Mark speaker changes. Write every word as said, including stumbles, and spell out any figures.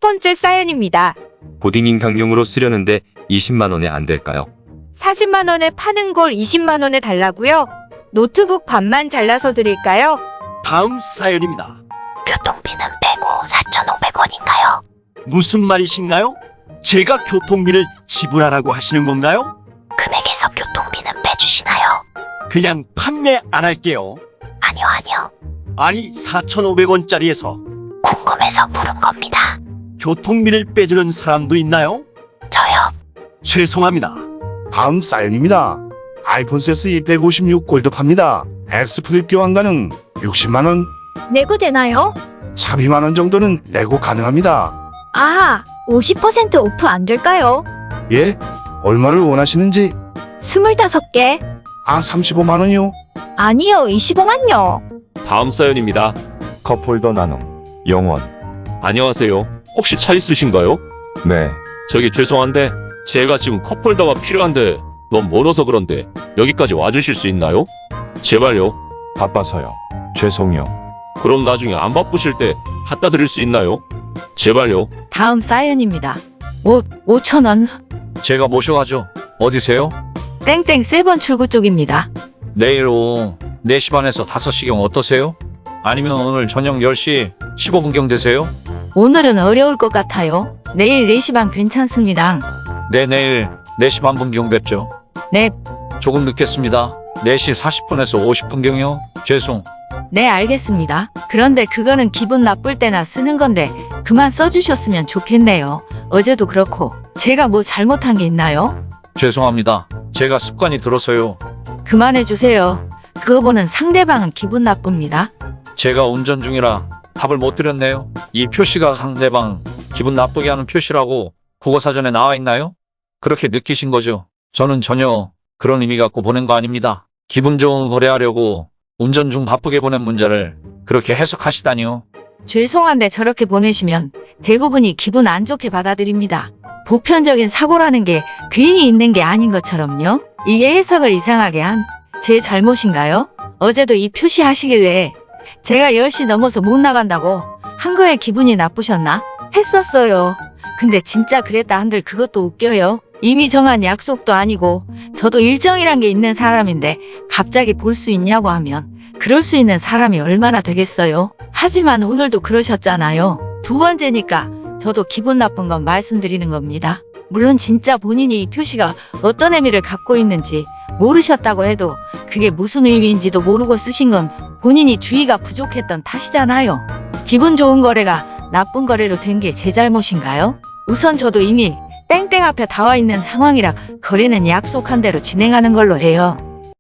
Speaker 1: 번째 사연입니다.
Speaker 2: 고딩 강령으로 쓰려는데 이십만 원에 안 될까요?
Speaker 1: 사십만 원에 파는 걸 이십만 원에 달라고요? 노트북 반만 잘라서 드릴까요?
Speaker 3: 다음 사연입니다.
Speaker 4: 교통비는 빼고 사천오백 원인가요?
Speaker 3: 무슨 말이신가요? 제가 교통비를 지불하라고 하시는 건가요?
Speaker 4: 금액에서 교통비는 빼주시나요?
Speaker 3: 그냥 판매 안 할게요.
Speaker 4: 아니요, 아니요.
Speaker 3: 아니 사천오백 원짜리에서
Speaker 4: 궁금해서 물은 겁니다.
Speaker 3: 교통비를 빼주는 사람도 있나요?
Speaker 4: 저요.
Speaker 3: 죄송합니다.
Speaker 5: 다음 사연입니다. 아이폰 세스 백오십육 골드 팝니다. X 플립 교환 가능. 육십만 원,
Speaker 6: 내고 되나요?
Speaker 5: 사십만 원 정도는 내고 가능합니다.
Speaker 6: 아, 오십 퍼센트 오프 안 될까요?
Speaker 5: 예? 얼마를 원하시는지?
Speaker 6: 스물다섯 개?
Speaker 5: 아, 삼십오만 원이요?
Speaker 6: 아니요, 이십오만요.
Speaker 7: 다음 사연입니다.
Speaker 8: 컵홀더 나눔 영원.
Speaker 7: 안녕하세요. 혹시 차 있으신가요?
Speaker 8: 네.
Speaker 7: 저기 죄송한데 제가 지금 컵홀더가 필요한데 너무 멀어서 그런데 여기까지 와주실 수 있나요? 제발요.
Speaker 8: 바빠서요. 죄송요.
Speaker 7: 그럼 나중에 안 바쁘실 때 갖다 드릴 수 있나요? 제발요.
Speaker 9: 다음 사연입니다. 옷 오천 원.
Speaker 10: 제가 모셔가죠. 어디세요?
Speaker 9: 땡땡 세번 출구 쪽입니다.
Speaker 10: 내일 오후 네 시 반에서 다섯 시경 어떠세요? 아니면 오늘 저녁 열 시 십오 분경 되세요?
Speaker 9: 오늘은 어려울 것 같아요. 내일 네 시 반 괜찮습니다.
Speaker 10: 네, 내일 네 시 반 분경 뵙죠.
Speaker 9: 네.
Speaker 10: 조금 늦겠습니다. 네 시 사십 분에서 오십 분경요. 죄송.
Speaker 9: 네, 알겠습니다. 그런데 그거는 기분 나쁠 때나 쓰는 건데 그만 써주셨으면 좋겠네요. 어제도 그렇고 제가 뭐 잘못한 게 있나요?
Speaker 10: 죄송합니다. 제가 습관이 들어서요.
Speaker 9: 그만해주세요. 그거 보는 상대방은 기분 나쁩니다.
Speaker 10: 제가 운전 중이라 답을 못 드렸네요. 이 표시가 상대방 기분 나쁘게 하는 표시라고 국어사전에 나와 있나요? 그렇게 느끼신 거죠? 저는 전혀 그런 의미 갖고 보낸 거 아닙니다. 기분 좋은 거래하려고 운전 중 바쁘게 보낸 문자를 그렇게 해석하시다니요.
Speaker 9: 죄송한데 저렇게 보내시면 대부분이 기분 안 좋게 받아들입니다. 보편적인 사고라는 게 괜히 있는 게 아닌 것처럼요. 이게 해석을 이상하게 한 제 잘못인가요? 어제도 이 표시하시길래 제가 열 시 넘어서 못 나간다고 한 거에 기분이 나쁘셨나? 했었어요. 근데 진짜 그랬다 한들 그것도 웃겨요. 이미 정한 약속도 아니고 저도 일정이란 게 있는 사람인데 갑자기 볼 수 있냐고 하면 그럴 수 있는 사람이 얼마나 되겠어요. 하지만 오늘도 그러셨잖아요. 두 번째니까 저도 기분 나쁜 건 말씀드리는 겁니다. 물론 진짜 본인이 이 표시가 어떤 의미를 갖고 있는지 모르셨다고 해도 그게 무슨 의미인지도 모르고 쓰신 건 본인이 주의가 부족했던 탓이잖아요. 기분 좋은 거래가 나쁜 거래로 된 게 제 잘못인가요? 우선 저도 이미 땡땡 앞에 다 와 있는 상황이라 거래는 약속한 대로 진행하는 걸로 해요.